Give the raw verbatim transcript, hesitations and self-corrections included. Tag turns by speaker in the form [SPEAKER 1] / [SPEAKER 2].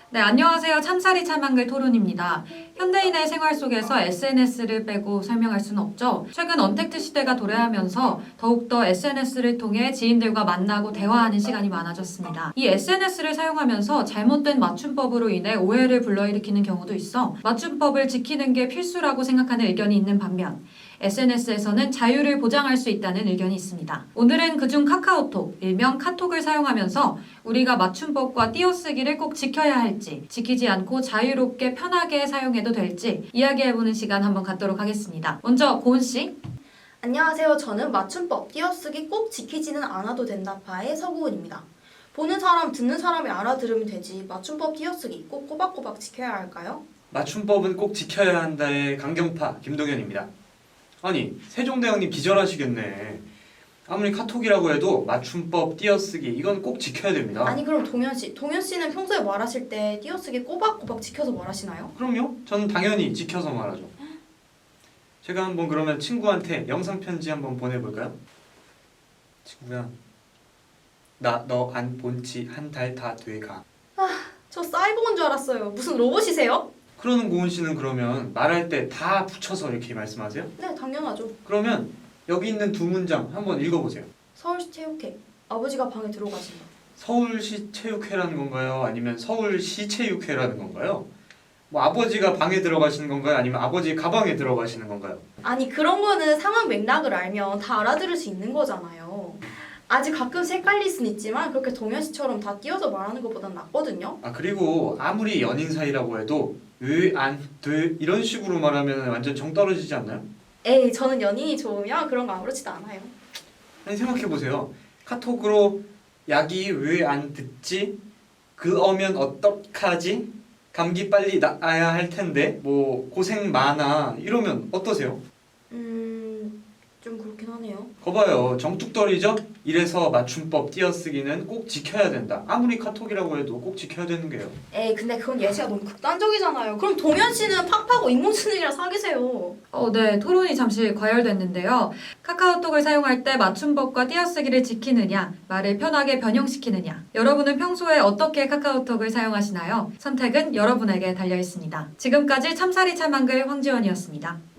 [SPEAKER 1] 네, 안녕하세요. 참사리 참한글 토론입니다. 현대인의 생활 속에서 에스엔에스를 빼고 설명할 수는 없죠. 최근 언택트 시대가 도래하면서 더욱더 에스엔에스를 통해 지인들과 만나고 대화하는 시간이 많아졌습니다. 이 에스엔에스를 사용하면서 잘못된 맞춤법으로 인해 오해를 불러일으키는 경우도 있어 맞춤법을 지키는 게 필수라고 생각하는 의견이 있는 반면 에스엔에스에서는 자유를 보장할 수 있다는 의견이 있습니다. 오늘은 그중 카카오톡, 일명 카톡을 사용하면서 우리가 맞춤법과 띄어쓰기를 꼭 지켜야 할지, 지키지 않고 자유롭게 편하게 사용해도 될지 이야기해보는 시간 한번 갖도록 하겠습니다. 먼저 고은 씨.
[SPEAKER 2] 안녕하세요. 저는 맞춤법, 띄어쓰기 꼭 지키지는 않아도 된다파의 서구은입니다. 보는 사람, 듣는 사람이 알아들으면 되지 맞춤법 띄어쓰기 꼭 꼬박꼬박 지켜야 할까요?
[SPEAKER 3] 맞춤법은 꼭 지켜야 한다의 강경파 김동현입니다. 아니, 세종대왕님 기절하시겠네. 아무리 카톡이라고 해도 맞춤법, 띄어쓰기 이건 꼭 지켜야 됩니다.
[SPEAKER 2] 아니 그럼 동현씨, 동현씨는 평소에 말하실 때 띄어쓰기 꼬박꼬박 지켜서 말하시나요?
[SPEAKER 3] 그럼요. 저는 당연히 지켜서 말하죠. 제가 한번 그러면 친구한테 영상편지 한번 보내볼까요? 친구야, 나 너 안 본 지 한 달 다 돼가.
[SPEAKER 2] 저 사이버인 줄 알았어요. 무슨 로봇이세요?
[SPEAKER 3] 그러는 고은 씨는 그러면 말할 때 다 붙여서 이렇게 말씀하세요?
[SPEAKER 2] 네, 당연하죠.
[SPEAKER 3] 그러면 여기 있는 두 문장 한번 읽어보세요.
[SPEAKER 2] 서울시 체육회, 아버지가 방에 들어가신다.
[SPEAKER 3] 서울시 체육회라는 건가요? 아니면 서울시 체육회라는 건가요? 뭐 아버지가 방에 들어가시는 건가요? 아니면 아버지 가방에 들어가시는 건가요?
[SPEAKER 2] 아니 그런 거는 상황 맥락을 알면 다 알아들을 수 있는 거잖아요. 아직 가끔씩 헷갈릴 순 있지만 그렇게 동현씨처럼 다 띄어서 말하는 것보단 낫거든요.
[SPEAKER 3] 아 그리고 아무리 연인 사이라고 해도 왜 안 돼? 이런 식으로 말하면 완전 정 떨어지지 않나요?
[SPEAKER 2] 에이, 저는 연인이 좋으면 그런 거 아무렇지도 않아요.
[SPEAKER 3] 아니 생각해보세요. 카톡으로 약이 왜 안 듣지? 그 어면 어떡하지? 감기 빨리 나아야 할 텐데 뭐 고생 많아 이러면 어떠세요?
[SPEAKER 2] 음... 좀 그렇긴 하네요.
[SPEAKER 3] 거봐요, 정뚝떨이죠? 이래서 맞춤법 띄어쓰기는 꼭 지켜야 된다. 아무리 카톡이라고 해도 꼭 지켜야 되는 게요.
[SPEAKER 2] 에이, 근데 그건 예시가 너무 극단적이잖아요. 그럼 동현씨는 팍팍하고 인공지능이랑 사귀세요.
[SPEAKER 1] 어, 네, 토론이 잠시 과열됐는데요. 카카오톡을 사용할 때 맞춤법과 띄어쓰기를 지키느냐, 말을 편하게 변형시키느냐. 여러분은 평소에 어떻게 카카오톡을 사용하시나요? 선택은 여러분에게 달려 있습니다. 지금까지 참사리 참한글 황지원이었습니다.